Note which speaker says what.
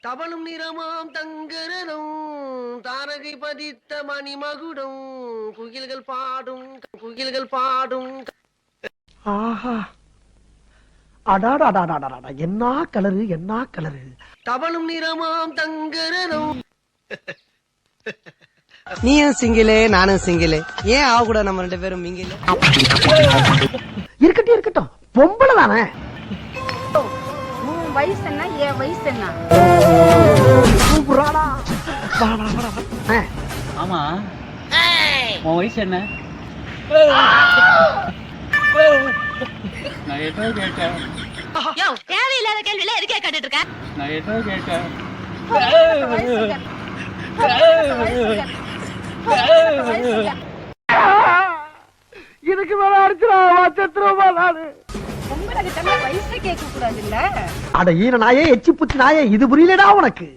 Speaker 1: தவளும் நிறமாம் தங்கரனும் தாரகை பதித்த மணிமகுடம் குயில்கள் பாடும்
Speaker 2: ஆஹா அடாடாடாடாடா என்ன கலரு என்ன கலரு.
Speaker 1: தவளும் நிறமாம் தங்கரனும்.
Speaker 3: நீயும் சிங்கிளே நானும் சிங்கிளே, ஏன் ஆக கூட நம்ம 2 பேரும் மிங்கிலே?
Speaker 2: இருக்கட்டும் இருக்கட்டும், பொம்பளை தானே.
Speaker 4: உன் வயசு என்ன, என் வயசு என்ன?
Speaker 2: கூப்பிடுறாடா.
Speaker 5: ஆமா உன் வயசு என்ன? நான் ஏதோ கேட்டேன்.
Speaker 4: தேவையில்லாத கேள்வியில எதுக்கே கேட்டுட்டு இருக்க?
Speaker 5: நான் ஏதோ கேட்டேன்.
Speaker 2: இதுக்கு மேல அடிச்சுடா செத்துருவா நானு.
Speaker 4: உங்களுக்கு வயசு கேட்க கூடாது இல்ல?
Speaker 2: அட ஈன நாயே, எச்சி புத்தி நாயே, இது புரியலடா உனக்கு.